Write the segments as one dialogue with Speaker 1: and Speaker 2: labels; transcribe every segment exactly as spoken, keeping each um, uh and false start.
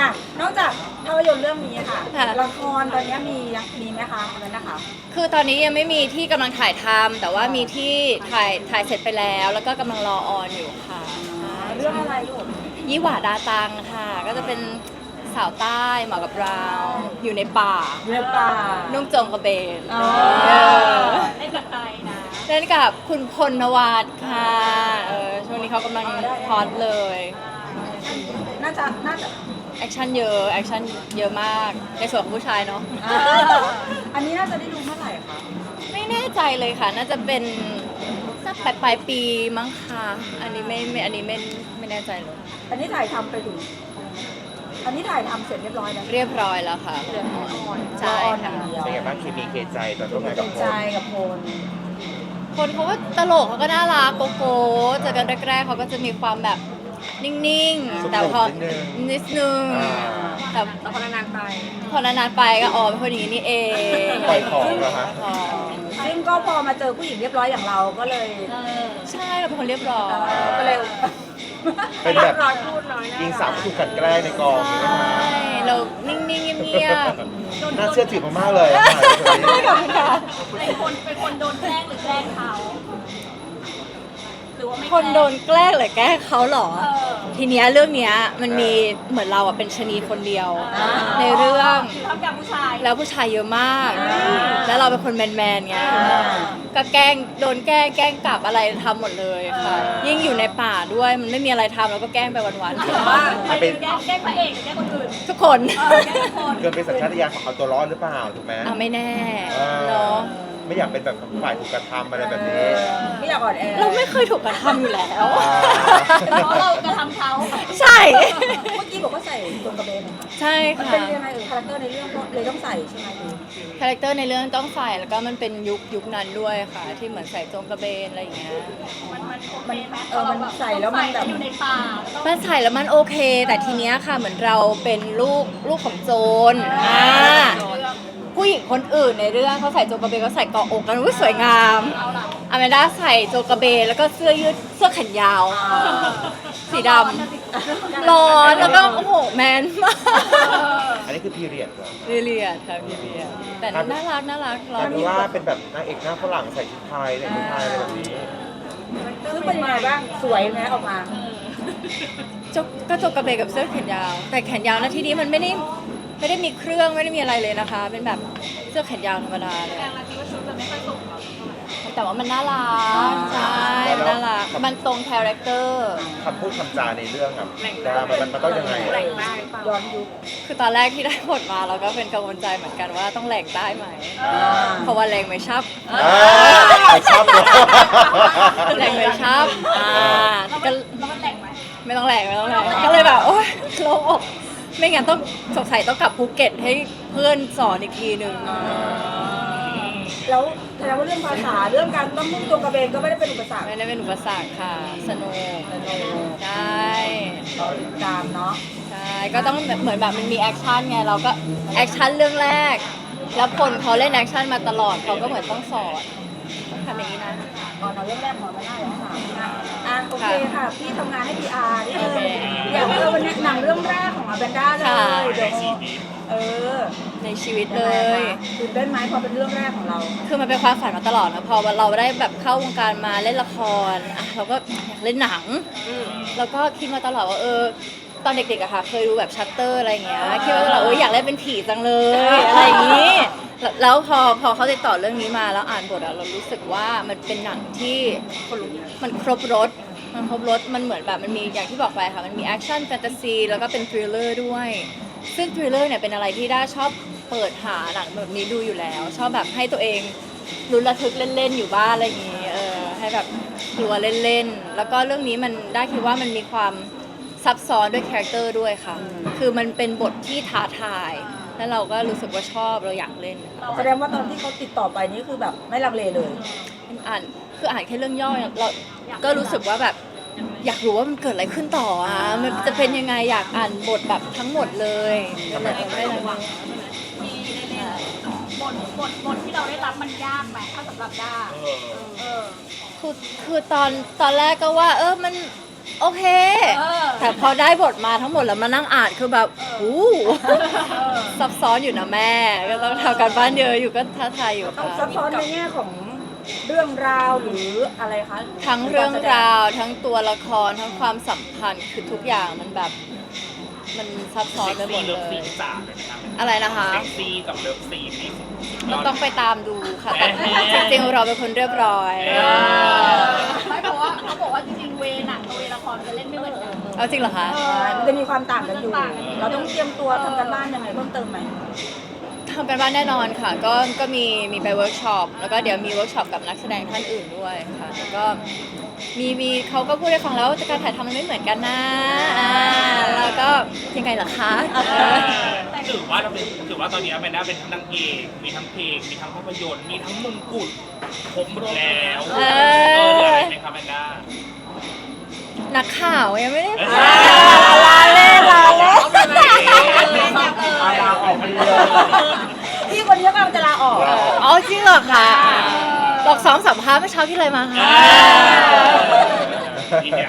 Speaker 1: อ่ะนอกจากภาพยนตร์เรื่องนี้ค่ะ
Speaker 2: ค่ะ
Speaker 1: ละครตอนนี้มียังมีไหมคะอันนั้นนะคะ
Speaker 2: คือตอนนี้ยังไม่มีที่กำลังถ่ายทำแต่ว่ามีที่ถ่ายถ่ายเสร็จไปแล้ว แล้วก็กำลังรอออนอยู่ค่ะ
Speaker 1: เรื่องอะไรลูก
Speaker 2: ยี่หว่าดาตังค่ะ ก็จะเป็นสาวใต้เหมาะกับเราอยู่ในป่า
Speaker 1: เรื่องป่า
Speaker 2: นุ่งโจงกระเบน
Speaker 1: อ๋อ
Speaker 2: เออ
Speaker 3: เล่นกับใครนะ
Speaker 2: เล่นกับคุณพลนวัตค่ะเออช่วงนี้เขากำลังฮอตเลย
Speaker 1: น่าจะน่าจะ
Speaker 2: แอคชั่นเยอะแอคชั่นเยอะมากในส่วนของผู้ชายเนาะ
Speaker 1: อ่าอันนี้น่าจะได้ดูเมื่อไหร่คะ
Speaker 2: ไม่แน่ใจเลยค่ะ น่าจะเป็นสักปลายปลายปีมั้งค่ะอันนี้ไม่ไม่อันนี้ไม่ไม่แน่ใจเลย
Speaker 1: อันนี้ถ่ายทำไปถึงอันนี้ถ่ายทำเสร็จเรียบร้อยแล้ว
Speaker 2: เรียบร้อยแล้วค่ะ
Speaker 1: เรื่องออน
Speaker 2: ใช่
Speaker 1: ออนอ
Speaker 2: ค่ะ
Speaker 1: ย่างเดียว
Speaker 4: เป็นไงบ้างเคมีเคใจตอนร่วมงาน
Speaker 1: เป็
Speaker 4: กับ
Speaker 1: น
Speaker 4: โพ
Speaker 1: ใจ
Speaker 4: ล
Speaker 1: กับโพล
Speaker 2: คนเขาก็ตลกเขาก็น่ารักโกโก้เจอกันแรกๆเขาก็จะมีความแบบนิ่งๆ แต่พอนิดนึงแต่
Speaker 3: แต่พอนานๆไป
Speaker 2: พอนานๆไปก็อ๋อเป็นคนอย่างนี้นี่เอง
Speaker 4: ปล่อยของเหรอคะ
Speaker 2: อ๋อ
Speaker 1: ซึ่งก็พอมาเจอผู้หญิงเรียบร้อยอย่างเราก็เลย
Speaker 2: ใช่เราเป็นคนเรียบร้อย
Speaker 1: ก็เลย
Speaker 4: เป็นแบบ
Speaker 3: ร้อยพูดน้อยนะ
Speaker 4: ยิงสาวถูกกลันแกล้งในกอง
Speaker 2: ใช
Speaker 4: ใช่ไหม่
Speaker 2: เรานิ่งๆเงียบ
Speaker 4: น่าเชื่อถือมากๆเลยอะ
Speaker 2: ๆขอบคุณค่ะ
Speaker 3: เป็นคนเป็นคนโดนแกล้งหรือแกล้งเขาหรือว่าไม่
Speaker 2: คนโดนแกล้งหรือแกล้งเขาเหรอ
Speaker 3: เออ
Speaker 2: ทีเนี้ยเรื่องเนี้ยมันมีเหมือนเราอะเป็นชะนีคนเดียว ในเรื่อง
Speaker 3: ทำกับผู้ชาย
Speaker 2: แล้วผู้ชายเยอะมาก แล้วเราเป็นคนแมนๆไงก็แกล้งโดนแกล้งแกล้งกลับอะไรทำหมดเลยค่ะ ยิ่งอยู่ในป่าด้วยมันไม่มีอะไรทำเราก็แกล้งไปวัน
Speaker 3: ว่าใครเป็นแกล้งแกล้งพระเอกหรือแกล้งคนอื่น
Speaker 2: ๆ ทุกคน
Speaker 3: เออแกล้งทุกคน
Speaker 4: เกินเป็นสัญชาตญาณของเอาตัวรอดหรือเปล่าถูกไหม
Speaker 2: อ่ะไม่แน่
Speaker 4: เออ
Speaker 2: เนาะ
Speaker 4: ไม่อยากเป็นแบบฝ่ายถูกกระทำอะไรแบบนี้
Speaker 1: ไม่อยากอ่อนแอ
Speaker 2: เราไม่เคยถูกกระทำอยู่แล้ว
Speaker 3: เพราะเรากระทำเขา
Speaker 2: ใช่
Speaker 1: เมื่อกี้บอกว่าใส่ตรงกระเบนเหรอคะ
Speaker 2: ใช่
Speaker 1: มัน
Speaker 2: ค่ะ
Speaker 1: เป็นยังไงเออคาแรคเตอร์ในเรื่องก็เลยต้องใส่ใช่ไหมหรือ
Speaker 2: คาแรคเตอร์ในเรื่องต้องใส่แล้วก็มันเป็นยุคยุคนั้นด้วยค่ะ ที่เหมือนใส่โจงกระเบนอะไรอย่างเงี้ย
Speaker 3: มันมันโอเคไหม
Speaker 1: เออมันใส่แล้วมันแบบ
Speaker 3: อยู่ในป่าต้อง
Speaker 2: มันใส่แล้วมันโอเค แต่ทีเนี้ยค่ะเหมือนเราเป็นลูกลูกของโจรอ่าผู้หญิงคนอื่นในเรื่องเขาใส่โจงกระเบนเขาใส่เกาะอกกันอุ้ยสวยงามอเมด้าใส่โจงกระเบนแล้วก็เสื้อยืดเสื้อแขนยาว สีดำร้อนแล้วก็โอ้โหแมนมาก
Speaker 4: อันนี้คือพีเรียดเหรอ
Speaker 2: พีเรียดค่ะพีเรียดแต่น่ารักน่ารัก
Speaker 4: กลายเป็นว่าเป็นแบบนางเอกหน้าฝรั่งใส่ชุดไทยแต่งชุดไทยอะไรแบบนี้
Speaker 1: ซึ่งเป็นยังไงบ้างสวยไหมออกมา
Speaker 2: จกก็จกกระเบนกับเสื้อแขนยาว แต่แขนยาวนะที่นี้มันไม่ได้ไม่ได้มีเครื่องไม่ได้มีอะไรเลยนะคะ เป็นแบบเสื้อแขนยาวธรรมดาเลย
Speaker 3: แต่เราคิดว่าชุดมันไม่ค่อยส่งเรา
Speaker 2: แต่ว่ามันน่ารักใช่มันน่ารักมันตรงคาแรคเตอร์
Speaker 4: คำพูดคำจาในเรื่องอะดามันมันมันต้องยังไงอะ
Speaker 3: แรงมาก
Speaker 1: ย้อนยุค
Speaker 2: คือตอนแรกที่ได้บทมาเราก็เป็นกังวลใจเหมือนกันว่าต้องแหลกได้ไหม
Speaker 1: อ่า
Speaker 2: เพราะว่าแรงไม่ชับ
Speaker 4: อ่าไปชอบเลย
Speaker 2: แรงไม่ชับอ่า
Speaker 3: แล้ว
Speaker 2: ก็
Speaker 3: มันแล้วมันแรงไหม
Speaker 2: ไม่ต้องแหลกไม่ต้องแหลกก็เลยแบบโอ๊ยโล่งอกไม่งั้นต้องสงสัยต้องกลับภูเก็ตให้เพื่อนสอนอีกทีหนึ่ง
Speaker 1: แล้วแสดงว่าเรื่องภาษาเรื่องการต้องมุ่งตรงกระเบนก็ไม่ได้เป็นอุปสรรค
Speaker 2: ไม่ได้เป็นอุปสรรคค่ะ สนุกใช่
Speaker 1: ต่อติดตามเนาะ
Speaker 2: ใช่ ก็ต้องแบบเหมือนแบบมันมีแอคชั่นไง เราก็แอคชั่นเรื่องแรก แล้วคนเขาเล่นแอคชั่นมาตลอดเขาก็เหมือนต้องสอนต้องทำอย่างนี้นะ
Speaker 1: ก่อนเอาเรื่องแรกก่อนมาได้แล้วค่ะอ่ะโอเคค่ะ พี่ทำงานให้ พี อาร์ นี่เลยอยากเออวันนี้หนังเรื่องแรกของอาแบนด้าเลยเดี๋ยวเออ
Speaker 2: ในชีวิตเลย
Speaker 1: ตื่นเต้นไหมพอเป็นเรื่องแรกของเรา
Speaker 2: คือมันเป็นความฝันมาตลอดนะพอเราได้แบบเข้าวงการมาเล่นละครอ่ะเราก็อยากเล่นหนัง แล้วก็คิดมาตลอดว่าเออตอนเด็กๆอะค่ะ เคยดูแบบชัตเตอร์อะไรอย่างเงี้ยคิดว่าเราเอออยากเล่นเป็นผีจังเลยอะไรอย่างงี้ แล้วแล้วพอพอเขาติดต่อเรื่องนี้มาแล้วอ่านบทอะเรารู้สึกว่ามันเป็นหนังที่มันครบรสมันครบรสมันเหมือนแบบมันมีอย่างที่บอกไปค่ะมันมีแอคชั่นแฟนตาซีแล้วก็เป็นทริลเลอร์ด้วย ซึ่งทริลเลอร์เนี่ยเป็นอะไรที่ด้าชอบเปิดหาหนังแบบนี้ดูอยู่แล้ว ชอบแบบให้ตัวเองลุ้นระทึกเล่นๆอยู่บ้านอะไรอย่างงี้เออให้แบบกลัวเล่นๆแล้วก็เรื่องนี้มันได้คิดว่ามันมีความซับซ้อนด้วยคาแรคเตอร์ด้วยค่ะ คือมันเป็นบทที่ท้าทาย แล้วเราก็รู้สึกว่าชอบเราอยากเล่น
Speaker 1: แสดงว่าตอนที่เขาติดต่อไปนี่คือแบบไม่ลังเลเลย
Speaker 2: อ่านคืออ่านแค่เรื่องย่อเนี่ยเราก็รู้สึกว่าแบบอยากรู้ว่ามันเกิดอะไรขึ้นต่ออ่ะมันจะเป็นยังไงอยากอ่านบทแบบทั้งหมดเลยก็เลยไม่ได้เลย
Speaker 3: ที่ได้เล่นบทบทบทที่เราได้รับมันยากไหมถ้าสำหรับด้าเออ
Speaker 2: คือคือตอนตอนแรกก็ว่า เออมันโอเค แต่พอได้บทมาทั้งหมดแล้วมานั่งอ่านคือแบบอู้ซับซ้อนอยู่นะแม่ก็ต้องทำการบ้านเยอะอยู่ก็ท้าทายอยู่
Speaker 1: ต้อง
Speaker 2: ค่ะ
Speaker 1: ซับซ้อนในแง่ของเรื่องราวหรืออะไรคะ
Speaker 2: ทั้งเรื่องราวทั้งตัวละครทั้งความสัมพันธ์คือทุกอย่างมันแบบมันซับซ้อนไปหมดเล
Speaker 5: เลิฟซี
Speaker 2: ย
Speaker 5: นจ๋าเลยนะครับ
Speaker 2: อะไรนะคะ
Speaker 5: เซ็กซี่กับเลิฟซีนนี่สุดย
Speaker 2: ก็
Speaker 5: อด
Speaker 2: ต้องไปตามดูค่ะแต่จริงๆเราเป็นคนเรียบร้อย
Speaker 3: ไม่เพราะว่าเขาบอกว่าจริงๆเวหนังกับเวละครมันจะเล่นไม่เหมือนกัน
Speaker 2: เอาจริงเหรอคะ
Speaker 1: ใช่มันจะมีความต่างกันอยู่ เราต้องเตรียมตัวทำกันบ้านยังไงเพิ่มเติมไหม
Speaker 2: ทำกันบ้านแน่นอนค่ะ ก็ก็มีมีไปเวิร์กช็อปแล้วก็เดี๋ยวมีเวิร์กช็อปกับนักแสดงท่านอื่นด้วยค่ะแล้วก็มีมีเขาก็พูดให้ฟังแล้วว่าการถ่ายทำมันไม่เหมือนกันนะอ่าแล้วก็ยังไงล่ะคะ
Speaker 5: ถือว่าเราเป็นถือว่าตอนนี้เป็นได้เป็นทั้งนางเอกมีทั้งเพลงมีทั้งภาพยนตร์มีทั้งมงกุฎครบหมดแล้ว
Speaker 2: เอ
Speaker 5: เอ
Speaker 2: อ
Speaker 5: อเหลืออะไรไหมครับแมนด้า
Speaker 2: นักข่าวยังไม่ได้
Speaker 5: อ่า
Speaker 2: ลาเล่นลาเล่น
Speaker 4: อาลาออกมาเลย
Speaker 1: พี่คนนี้กำลังจะลาออก
Speaker 2: อ๋อจริงเหรอคะหลอกสองสัมภาษณ์เมื่อเช้าที่อะไรมาคะ
Speaker 5: นี่เนี่ย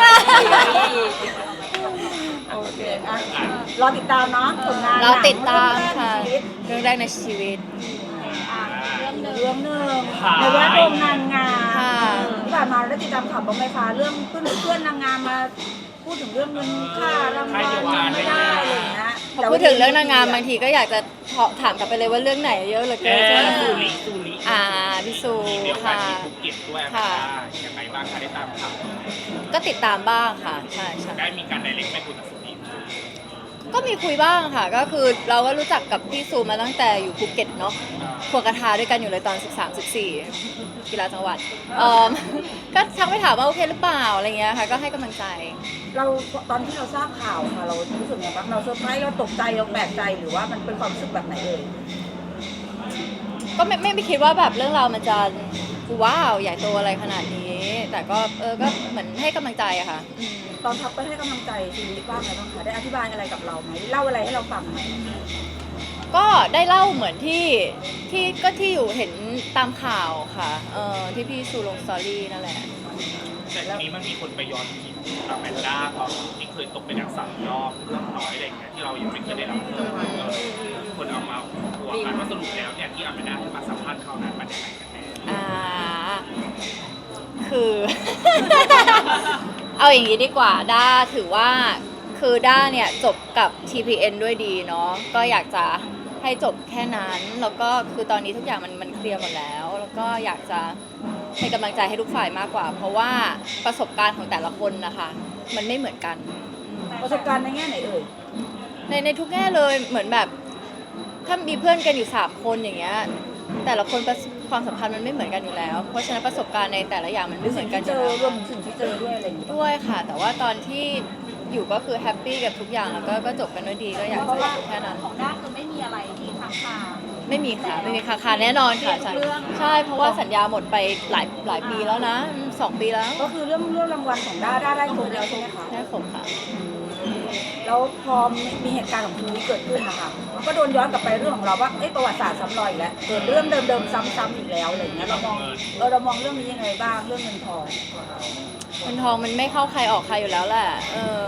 Speaker 1: โอเคอ่ะรอติดตามเนาะผลงาน
Speaker 2: เราติดตาม
Speaker 1: หนัง
Speaker 2: ค่ะ
Speaker 1: เรื่องแรกในชีวิต
Speaker 2: เรื่องแรกในชีวิต
Speaker 1: เรื่องหนึ่งในแวดวงนางงาม
Speaker 2: ค่ะ
Speaker 1: ที่ผ่านมาได้ติดตามข่าวบ้างไหมคะเรื่องเพื่อนเพื่อนนางงามมาพูดถึงเรื่องเงินค่ารางวัลไม่ได้อะไรอย่างเงี้ย
Speaker 2: พอพูดถึงเรื่องนางงามบางทีก็อยากจะถามกลับไปเลยว่าเรื่องไหนเยอะเหลือ
Speaker 5: เอ
Speaker 2: เกินใช่ไหม
Speaker 5: อซูริซูริ
Speaker 2: อ่าพี่ซู
Speaker 5: เดี๋ยวกั
Speaker 2: ค่ะ
Speaker 5: นที่ภูเก็ตด้วย
Speaker 2: ค่ะ
Speaker 5: ยังไงบ้างคะได้ตามข่าว
Speaker 2: ก็ติดตามบ้างค่ะใช่ใช่
Speaker 5: ได้มีการไดเรกไปคุยกับซูริ
Speaker 2: ก็มีคุยบ้างค่ะ ก็คือเราก็รู้จักกับพี่ซูมาตั้งแต่อยู่ภูเก็ตเนาะควงกระทาด้วยกันอยู่เลยตอนสิบสาม สิบสี่กีฬาจังหวัดเอ่อ ก็ทักไปถามว่าโอเคหรือเปล่าอะไรเงี้ยค่ะก็ให้กำลังใจ
Speaker 1: เราตอนที่เราทราบข่าวค่ะเรารู้สึกไงบ้างเราเซอร์ไพรส์เราตกใจเราแปลกใจหรือว่ามันเป็นความรู้สึกแบบไหนเอ่ย
Speaker 2: ก็ไม่ไม่ไม่คิดว่าแบบเรื่องราวมันจะว้าวใหญ่โตอะไรขนาดนี้ แต่ก็เออก็เหมือนให้กำลังใจอะค่ะอืม
Speaker 1: ตอนทักไปให้กำลังใจชีวิตบ้างไหมบ้างคะได้อธิบายอะไรกับเราไหมเล่าอะไรให้เราฟังไหม
Speaker 2: ก็ได้เล่าเหมือนที่ที่ก็ที่อยู่เห็นตามข่าวค่ะเออที่พี่ซูลงสตอรี่นั่นแหละ
Speaker 5: แต่ทีนี้มันมีคนไปย้อนคิดกับแมนด้าตอนที่เคยตกเป็นนักสามรอบเรื่องน้อยอะไรอย่างเงี้ยที่เรายังไม่เคยได้รับเจอเออคนเอามาหัวกันว่าสรุปแล้วเนี่ยที่อแมนด้าให้มาสัมภาษณ์เขานั้นมันยังไงกันแน่
Speaker 2: อ่าคือ เอาอย่างนี้ดีกว่าด้าถือว่าคือด้าเนี่ยจบกับ ที พี เอ็น ด้วยดีเนาะก็อยากจะให้จบแค่นั้นแล้วก็คือตอนนี้ทุกอย่างมันมันเคลียร์หมดแล้ว แล้วก็อยากจะให้กำลังใจให้ทุกฝ่ายมากกว่า เพราะว่าประสบการณ์ของแต่ละคนนะคะมันไม่เหมือนกัน
Speaker 1: ประสบการณ์ในแง่ไหนเอ่ย
Speaker 2: ในในทุกแง่เลยเหมือนแบบถ้ามีเพื่อนกันอยู่สามคนอย่างเงี้ยแต่ละคนประสความสัมพันธ์มันไม่เหมือนกันอยู่แล้ว เพราะฉะนั้นประสบการณ์ในแต่ละอย่างมันไม่เหมือนกันอ
Speaker 1: เจ
Speaker 2: ยู่
Speaker 1: อ
Speaker 2: แล้ว
Speaker 1: รวมถึงสิ่งที่เจอด้วยอะไรอย่างเงี้ย
Speaker 2: ด้วยค่ะ แต่ว่าตอนที่อยู่ก็คือแฮปปี้กับทุกอย่างแล้วก็ก็จบกันด้วยดีก็อยากจะแค่นั้น
Speaker 3: ของด้านคือไม่มีอะไรที่ค้างคา
Speaker 2: ไม่มีค่ะไม่มีคาคาแน่นอนค่ะใช่
Speaker 3: เรื่อง
Speaker 2: ใช่เพราะว่าสัญญาหมดไปหลายหลายปีแล้วนะอืมสองปีแล้ว
Speaker 1: ก็คือเรื่องเรื่องรางวัลของด้าด้าได้ครบแล้วใช่ไหมคะ
Speaker 2: ได้ครบค่ะ
Speaker 1: แล้วพอมีเหตุการณ์ของคุณนี้เกิดขึ้นนะคะมันก็โดนย้อนกลับไปเรื่องของเราว่าเอ้ยประวัติศาสตร์ซ้ำรอยอีกแล้วเกิดเรื่องเดิมๆซ้ำๆอีกแล้วอะไรอย่างเงี้ยเรามองเออเรามองเรื่องนี้ยังไงบ้างเรื่องเงินทอง
Speaker 2: เงินทองมันไม่เข้าใครออกใครอยู่แล้วแหละเออ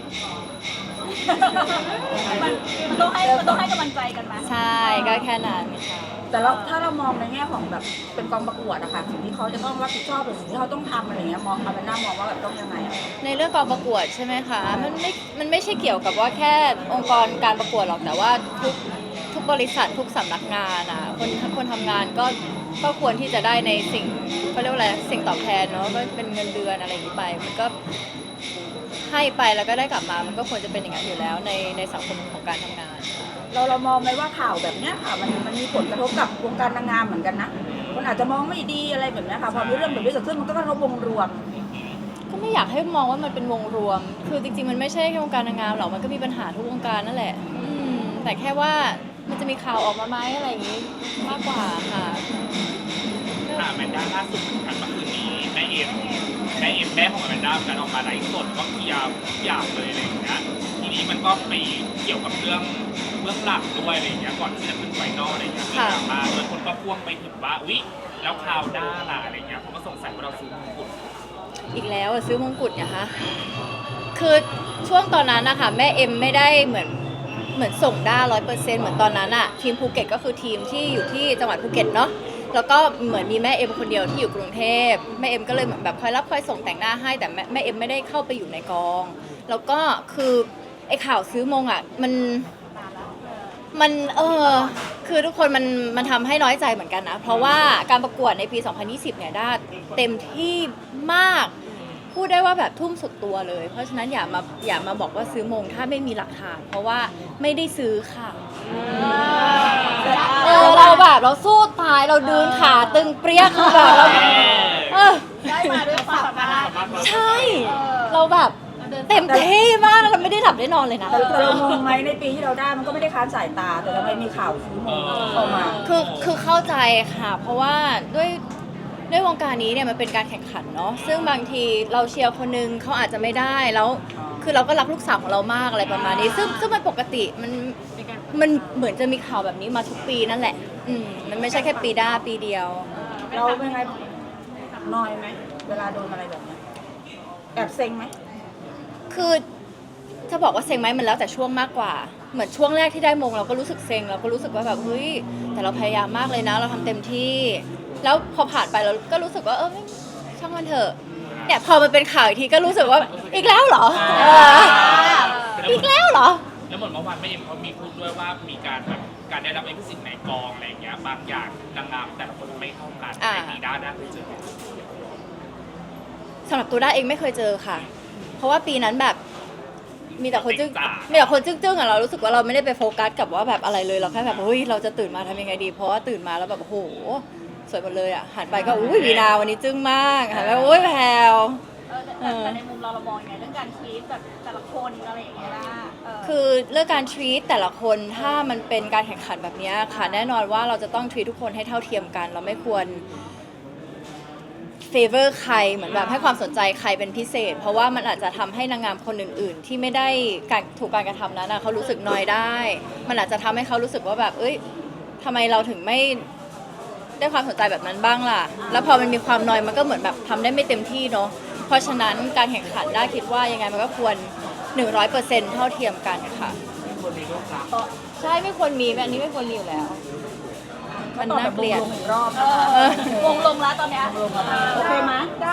Speaker 3: มันมันต้องให้มันต้องให้กำลังใจกันไหม
Speaker 2: ใช่ก็แค่นั้นค่ะ
Speaker 1: แต่เราถ้าเรามองในแง่ของแบบเป็นกองประกวดอะค่ะสิ่งที่เขาจะต้องรับผิดชอบหรือสิ่งที่เขาต้องทำอะไรอย่างเงี้ยมองเอาเป็นหน้ามองว่าแบบต้องยังไงอะ
Speaker 2: ในเรื่องกองประกวดใช่ไหมคะ มันไม่ มันไม่ใช่เกี่ยวกับว่าแค่องค์กรการประกวดหรอก แต่ว่าทุกทุกบริษัททุกสำนักงานอ่ะ คนคนทำงานก็ก็ควรที่จะได้ในสิ่งเขาเรียกว่าอะไร สิ่งตอบแทนเนาะ ก็เป็นเงินเดือนอะไรอย่างนี้ไป มันก็ให้ไปแล้วก็ได้กลับมา มันก็ควรจะเป็นอย่างนั้นอยู่แล้วในในสังคมของการทำงาน
Speaker 1: เราเรามองไหมว่าข่าวแบบเนี้ยค่ะมันมันมีผลกระทบกับวงการนางงามเหมือนกันนะคนอาจจะมองไม่ดีอะไรแบบเนี้ยค่ะพอมีเรื่องแบบนี้เกิดขึ้นมันก็กระทบวงรวม
Speaker 2: ก็ไม่อยากให้มองว่ามันเป็นวงรวม คือจริงๆ มันไม่ใช่แค่วงการนางงามหรอก มันก็มีปัญหาทุกวงการนั่นแหละ อืม แต่แค่ว่ามันจะมีข่าวออกมาไหมอะไรอย่างนี้มากกว่าค่ะ
Speaker 5: ค่ะแมนด้าล่าสุดเหมือนกันเมื่อคืนนี้แม่เอ็มแม่เอ็มแม่ของแมนด้าการออกมาไลฟ์สดก็เคลียร์ทุกอย่างเลยอะไรอย่างเงี้ยทีนี้มันก็ไปเกี่ยวกับเรื่องเรื่องหลักด้วยอะไรอย่างเงี้ยก่อนที่จะขึ้นไฟนอลอะไรอย่างเงี้ยมีดราม่าโดยคนก็พ่วงไปถึงว่าอุ๊ยแล้วข่าวด้าล่ะอะไรอย่างเงี้ยเขาก็สงสัยว่าเราซื้อมงกุฎ
Speaker 2: อีกแล้วอะซื้อมงกุฎเนี่ยคะคือช่วงตอนนั้นนะคะแม่เอ็มไม่ได้เหมือนเหมือนส่งได้ร้อยเปอร์เซ็นต์เหมือนตอนนั้นอะทีมภูเก็ตก็คือทีมที่อยู่ที่จังหวัดภูเก็ตเนาะแล้วก็เหมือนมีแม่เอ็มคนเดียวที่อยู่กรุงเทพแม่เอ็มก็เลยเหมือนแบบคอยรับคอยส่งแต่งหน้าให้แต่แม่แม่เอ็มไม่ได้เข้าไปอยู่ในกองแล้วก็คือไอ้ข่าวซื้อมงอะมันมันเออคือทุกคนมันมันทำให้น้อยใจเหมือนกันนะเพราะว่าการประกวดในปี สองพันยี่สิบ เนี่ยได้เต็มที่มากพูดได้ว่าแบบทุ่มสุดตัวเลยเพราะฉะนั้นอย่ามาอย่ามาบอกว่าซื้อมงถ้าไม่มีหลักฐานเพราะว่าไม่ได้ซื้อค่ะเออเราแบบเราสู้ตายเราเดินขาตึงเปรี้ยคือแบบเราเออ
Speaker 3: ได้มาด้วยความสามารถ
Speaker 2: ใช่ เราแบบเต็มที่มากเราไม่ได้หลับได้นอนเลยนะ
Speaker 1: แต่แต่เรางงไหมในปีที่เราได้มันก็ไม่ได้ค้านสายตาแต่ทำไมมีข่าวซื้อมงเข้ามา
Speaker 2: คือคือเข้าใจค่ะ เพราะว่าด้วยด้วยวงการนี้เนี่ยมันเป็นการแข่งขันเนาะซึ่งบางทีเราเชียร์คนนึงเขาอาจจะไม่ได้แล้ว คือเราก็รักลูกสาวของเรามากอะไรประมาณนี้ ซึ่งซึ่งมันปกติมันมันเหมือนจะมีข่าวแบบนี้มาทุกปีนั่นแหละ อืมมันไม่ใช่แค่ปีด้าปีเดียว
Speaker 1: เราเป็นไงนอยไหมเวลาโดนอะไรแบบเนี้ยแอบเซ็งไหม
Speaker 2: คือจะบอกว่าเซ็งไหมมันแล้วแต่ช่วงมากกว่า เหมือนช่วงแรกที่ได้มงเราก็รู้สึกเซ็งเราก็รู้สึกว่าแบบเฮ้ยแต่เราพยายามมากเลยนะ เราทำเต็มที่ แล้วพอผ่านไปเราก็รู้สึกว่าเออไม่ช่างมันเถอะเนี่ยพอมันเป็นข่าวอีกทีก็รู้สึกว่าอีกแล้วเหรอเอออีกแล้วเหรอ
Speaker 5: แล้วเหมือนเมื่อวานแม่เอ็มเขามีพูดด้วยว่ามีการแบบการได้รับเอกสิทธิ์ในกองอะไรอย่างเงี้ยบางอย่างนางงามแต่ละคนไม่เท่ากัน
Speaker 2: อ่า
Speaker 5: ในปีด้าได้เคยเจอไหม
Speaker 2: สำหรับตัวด้าเองไม่เคยเจอค่ะ เพราะว่าปีนั้นแบบมีแต่คนจึ้งมีแต่คนจึ้งๆอะเรารู้สึกว่าเราไม่ได้ไปโฟกัสกับว่าแบบอะไรเลยเราแค่แบบเฮ้ยเราจะตื่นมาทำยังไงดี เพราะว่าตื่นมาแล้วแบบโอ้โหสวยหมดเลยอะหันไปก็อุ้ยวีนาวันนี้จึ้งมากหันไปโอ้ยแพรว
Speaker 3: เออแต่แต่ในมุมเราเรามองยังไงเรื่องการทีตแบบแต่ละคนอะไรอย่างเงี้ยนะเออ
Speaker 2: คือเรื่องการ treat แต่ละคนถ้ามันเป็นการแข่งขันแบบนี้ค่ะแน่นอนว่าเราจะต้อง treat ทุกคนให้เท่าเทียมกัน เราไม่ควร favor ใครเหมือนแบบให้ความสนใจใครเป็นพิเศษ เพราะว่ามันอาจจะทำให้นางงามคนอื่น ๆ ที่ไม่ได้การถูกการกระทำนั้นนะเขารู้สึกนอยได้ มันอาจจะทำให้เขารู้สึกว่าแบบเอ้ยทำไมเราถึงไม่ได้ความสนใจแบบนั้นบ้างล่ะ แล้วพอมันมีความนอยมันก็เหมือนแบบทำได้ไม่เต็มที่เนาะเพราะฉะนั้นการแข่งขันได้คิดว่ายังไงมันก็ควร หนึ่งร้อยเปอร์เซ็นต์ เท่าเทียมกันค่ะใช่ไม่ควรมีอันนี้ไม่ควรมีอยู่แล้ว มัน
Speaker 1: ตอบ
Speaker 2: น่า
Speaker 1: แบบ
Speaker 2: เกลียด
Speaker 1: วงๆอีกรอบ
Speaker 3: เอ
Speaker 1: นะคะ
Speaker 3: อวงลงแล้วตอนเนี้ย
Speaker 1: โอเคไหม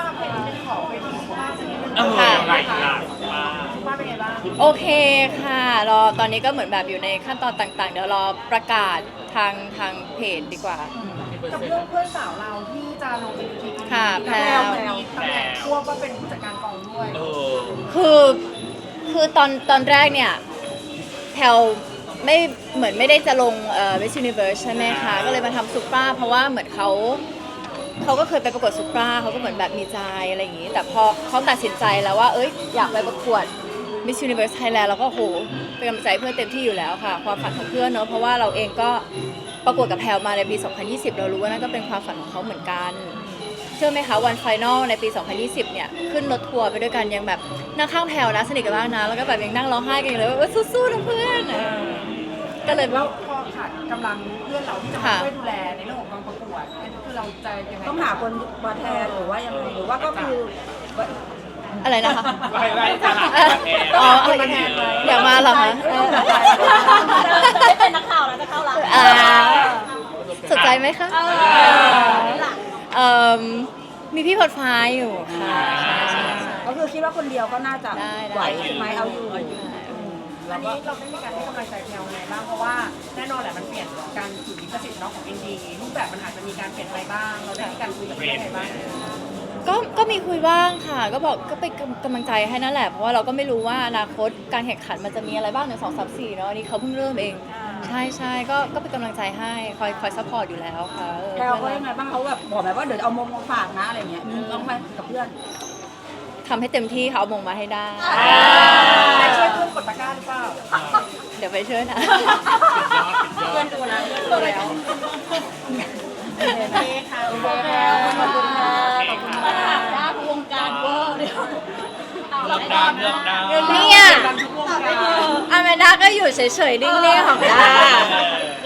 Speaker 5: เออ
Speaker 2: ค่ะ
Speaker 5: หลายหลายมาก
Speaker 2: โอเคค่ะรอตอนนี้ก็เหมือนแบบอยู่ในขั้นตอนต่างๆ เดี๋ยวรอประกาศทางทางเพจดีกว่า
Speaker 6: กับเรื่องเพื่อนสาวเราที่จะลงเป็นทีม
Speaker 2: ค่ะแพรว
Speaker 6: ตำแหน่งควบก็เป็นผู้จัดการกองด้วย
Speaker 5: เออ
Speaker 2: คือคือตอนตอนแรกเนี่ยแพลไม่เหมือนไม่ได้จะลงเอ่อ Miss Universe ใช่ไหมคะก็เลยมาทำซุปเปอร์เพราะว่าเหมือนเขาเขาก็เคยไปประกวดซุปเปอร์เขาก็เหมือนแบบมีใจอะไรอย่างนี้ แต่พอเขาตัดสินใจแล้วว่าเอ้ยอยากไปประกวด Miss Universe Thailand เราก็โหเป็นกำลังใจเพื่อนเต็มที่อยู่แล้วค่ะความฝันของเพื่อนเนอะเพราะว่าเราเองก็ประกวดกับแพลมาในปี สองพันยี่สิบ เรารู้ว่านั่นก็เป็นความฝันของเขาเหมือนกันเชื่อไหมคะวันไฟนอลในปี สองพันยี่สิบ เนี่ยขึ้นรถทัวร์ไปด้วยกันยังแบบนั่งข้างแพลนะสนิทกันมากนะแล้วก็แบบยังนั่งร้องไห้กันอยู่เลยว่าเออสู้ๆนะเพื่อนเออก็เลย
Speaker 6: แล้วพอขาดกำลังเพื่อนเราที่จะมาช่วยดูแลในเรื่องของการประกวดอันนี้คือเราจะยังไง
Speaker 1: ต้องหาคนมาแทนหรือว่ายังไงหรือว่าก็คือ
Speaker 2: อะไรนะคะ
Speaker 5: ไล่ไล่จะหาประเทศ
Speaker 2: อ๋ออะไรอยากมาเหรอคะเออ
Speaker 3: ไม่เป็นนักข่าวแล้วจะเข้าร้าน
Speaker 2: อ่าสนใจไหมคะ
Speaker 3: เออนี่ล่ะ
Speaker 2: เอ่อมีพี่พอดฟ้าอยู่ค่ะใช่ใช่ใช่
Speaker 1: ก็คือคิดว่าคนเดียวก็น่าจะ
Speaker 2: ได้ได้
Speaker 1: ไหวใช่ไหมเอาอยู่
Speaker 6: อันนี้เราได้มีการให้กำลังใจแพลวไงบ้างเพราะว่าแน่นอนแหละมันเปลี่ยนการถือลิขสิทธิ์เนาะของอินดีรูปแบบมันอาจจะมีการเปลี่ยนไปบ้าง เราได้มีการคุยกับเพื่อนยังไงบ้าง
Speaker 2: ก็ก็มีคุยบ้างค่ะ ก็บอกก็เป็นกำลังใจให้นั่นแหละ เพราะว่าเราก็ไม่รู้ว่าอนาคตการแข่งขันมันจะมีอะไรบ้างหนึ่งสองสามสี่เนาะอันนี้เขาเพิ่งเริ่มเอง ใช่ใช่ก็ก็เป็นกำลังใจให้คอยคอยซัพพอร์ตอยู่แล้วค่ะเออ
Speaker 1: แพลวเขายังไงบ้างเขาแบบบอกไหมว่าเดี๋ยวเอามงมาฝากนะอะไรเงี้ยมีต้องไหมกับเพื่อน
Speaker 2: ทำให้เต็มที่เขาเอามงมาให้ได้
Speaker 6: ได้ช่วยเพื่อนกดตะกร้าหรือเปล่า
Speaker 2: เดี๋ยวไปช่วยนะ
Speaker 6: เพื่อนดูนะเพื่อนแล้ว
Speaker 1: โอเคค่ะโอเคค่ะขอบคุณค่ะขอบคุณ
Speaker 3: มา
Speaker 1: ค่ะ
Speaker 3: ถามด้านวงการเวอร์เดี๋ยว
Speaker 5: เลือกดาวเลือกดาว
Speaker 2: เนี่ยอแมนดาก็อยู่เฉยๆนิ่งๆของด้า